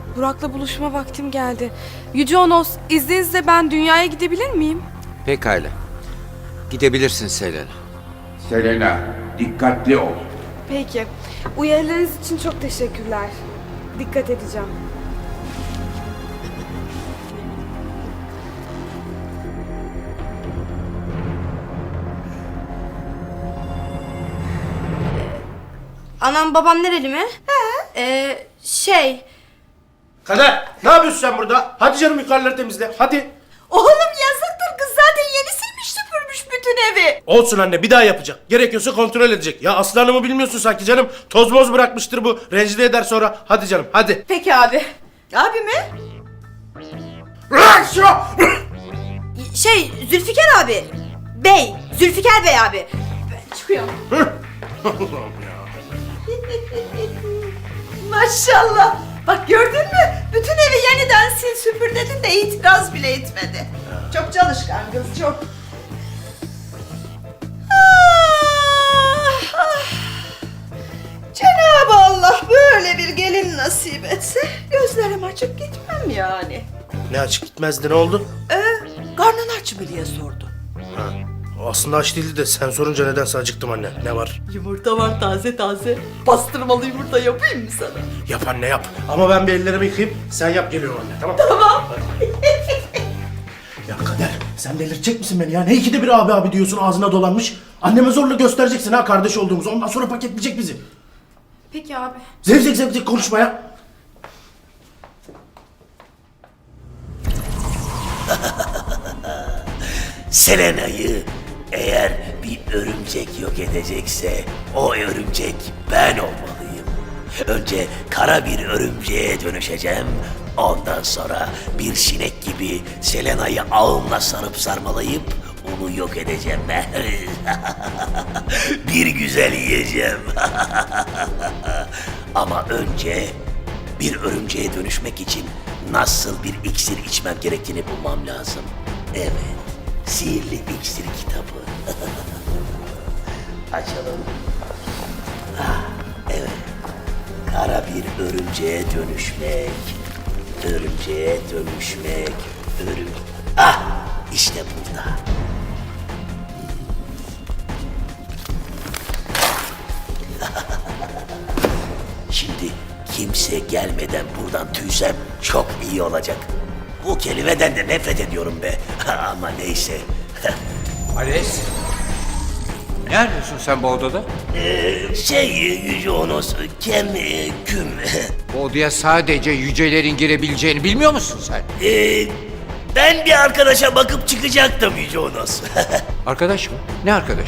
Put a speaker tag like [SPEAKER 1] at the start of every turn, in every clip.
[SPEAKER 1] Burak'la buluşma vaktim geldi. Yüce Onos, izninizle ben dünyaya gidebilir miyim?
[SPEAKER 2] Pekala. Gidebilirsin Selena.
[SPEAKER 3] Selena, dikkatli ol.
[SPEAKER 1] Peki. Uyarılarınız için çok teşekkürler. Dikkat edeceğim.
[SPEAKER 4] Anam babam nereli mi?
[SPEAKER 5] Kader, ne yapıyorsun sen burada? Hadi canım yukarıları temizle, hadi.
[SPEAKER 6] Oğlum yazıktır, kız zaten yeni silmiş süpürmüş bütün evi.
[SPEAKER 5] Olsun anne, bir daha yapacak. Gerekiyorsa kontrol edecek. Ya Aslı Hanım'ı bilmiyorsun sanki canım. Toz moz bırakmıştır bu. Rencide eder sonra. Hadi canım, hadi.
[SPEAKER 6] Peki abi. Abi mi?
[SPEAKER 4] Zülfikar abi. Zülfikar Bey abi. Ben çıkıyorum.
[SPEAKER 6] Maşallah. Bak gördün mü? Bütün evi yeniden sil süpür dedin de itiraz bile etmedi. Çok çalışkan kız, çok. Cenab-ı Allah böyle bir gelin nasip etse gözlerim açık gitmem yani.
[SPEAKER 5] Ne açık gitmezdi, ne oldu?
[SPEAKER 6] Karnın aç mı diye sordu.
[SPEAKER 5] Ha, o aslında aç değildi de sen sorunca nedense acıktım anne. Ne var?
[SPEAKER 6] Yumurta var taze taze. Pastırmalı yumurta yapayım mı sana?
[SPEAKER 5] Yap anne yap. Ama ben bir ellerimi yıkayayım. Sen yap, geliyorum anne, tamam?
[SPEAKER 6] Tamam.
[SPEAKER 5] Ya Kader, sen delirtecek misin beni ya? Ne ikide bir abi abi diyorsun, ağzına dolanmış. Anneme zorla göstereceksin ha kardeş olduğumuzu. Ondan sonra paketleyecek bizi.
[SPEAKER 1] Peki abi.
[SPEAKER 5] Zevzek zevzek konuşma ya.
[SPEAKER 7] Selena'yı eğer bir örümcek yok edecekse o örümcek ben olmalıyım. Önce kara bir örümceğe dönüşeceğim. Ondan sonra bir sinek gibi Selena'yı ağımla sarıp sarmalayıp onu yok edeceğim ben. Bir güzel yiyeceğim. Ama önce bir örümceğe dönüşmek için nasıl bir iksir içmem gerektiğini bulmam lazım. Evet, sihirli iksir kitabı. Açalım. Ah, evet. Kara bir örümceğe dönüşmek. Örümceğe dönüşmek. Ah, işte burada. Şimdi kimse gelmeden buradan tüysem çok iyi olacak. Bu kelimeden de nefret ediyorum be. Ama neyse.
[SPEAKER 2] Ales. Ne arıyorsun sen bu odada?
[SPEAKER 7] Yüce Onos, küm.
[SPEAKER 2] Bu odaya sadece yücelerin girebileceğini bilmiyor musun sen?
[SPEAKER 7] Ben bir arkadaşa bakıp çıkacaktım Yüce Onos.
[SPEAKER 2] Arkadaş mı? Ne arkadaş?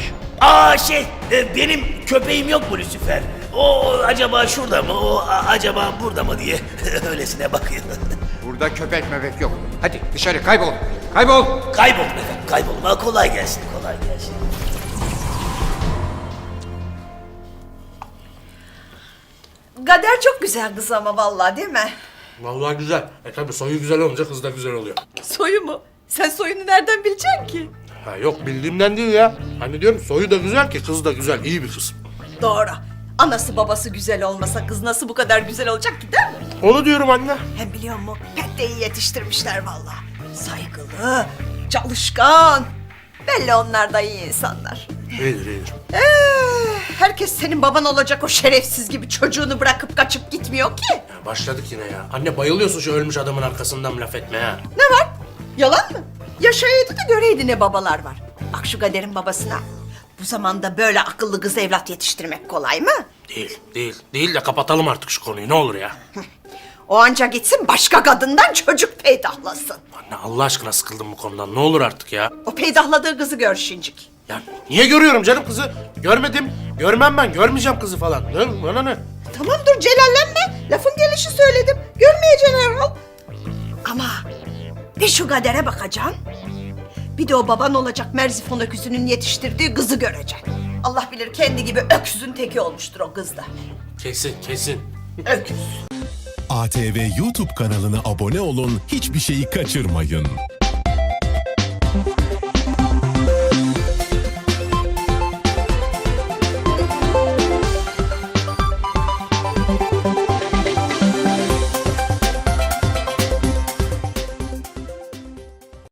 [SPEAKER 7] Benim köpeğim yok mu Lucifer? O acaba şurada mı, o acaba burada mı diye öylesine bakıyor.
[SPEAKER 2] Burada köpek mebek yok. Hadi dışarı kaybol. Kaybol.
[SPEAKER 7] Kaybolma efendim, kaybolma. Kolay gelsin, kolay gelsin.
[SPEAKER 6] Kader çok güzel kız ama vallahi, değil mi?
[SPEAKER 5] Vallahi güzel. Tabii soyu güzel olunca kız da güzel oluyor.
[SPEAKER 6] Soyu mu? Sen soyunu nereden bileceksin ki?
[SPEAKER 5] Ha yok, bildiğimden değil ya. Hani diyorum soyu da güzel ki kız da güzel, iyi bir kız.
[SPEAKER 6] Doğru. Anası babası güzel olmasa kız nasıl bu kadar güzel olacak ki, değil mi?
[SPEAKER 5] Onu diyorum anne.
[SPEAKER 6] Hem biliyor musun? Pek de iyi yetiştirmişler vallahi. Saygılı, çalışkan. Belli onlar da iyi insanlar.
[SPEAKER 5] İyidir iyidir.
[SPEAKER 6] Herkes senin baban olacak o şerefsiz gibi çocuğunu bırakıp kaçıp gitmiyor ki.
[SPEAKER 5] Ya başladık yine ya. Anne bayılıyorsun şu ölmüş adamın arkasından laf etmeye ha.
[SPEAKER 6] Ne var? Yalan mı? Yaşayaydı da göreydi ne babalar var. Bak şu Kader'in babasına. Bu zamanda böyle akıllı kız evlat yetiştirmek kolay mı?
[SPEAKER 5] Değil de kapatalım artık şu konuyu, ne olur ya.
[SPEAKER 6] O anca gitsin başka kadından çocuk peydahlasın.
[SPEAKER 5] Anne Allah aşkına sıkıldım bu konudan, ne olur artık ya.
[SPEAKER 6] O peydahladığı kızı gör şincik.
[SPEAKER 5] Ya niye görüyorum canım kızı? Görmedim, görmem ben, görmeyeceğim kızı falan. Ne, bana ne?
[SPEAKER 6] Tamam dur celallenme. Lafın gelişi söyledim. Görmeyeceksin herhal. Ama bir şu Kader'e bakacaksın. Bir de o baban olacak Merzifon öküzünün yetiştirdiği kızı göreceksin. Allah bilir kendi gibi öküzün teki olmuştur o kız da.
[SPEAKER 5] Kesin.
[SPEAKER 6] Öküz.
[SPEAKER 8] ATV YouTube kanalına abone olun, hiçbir şeyi kaçırmayın.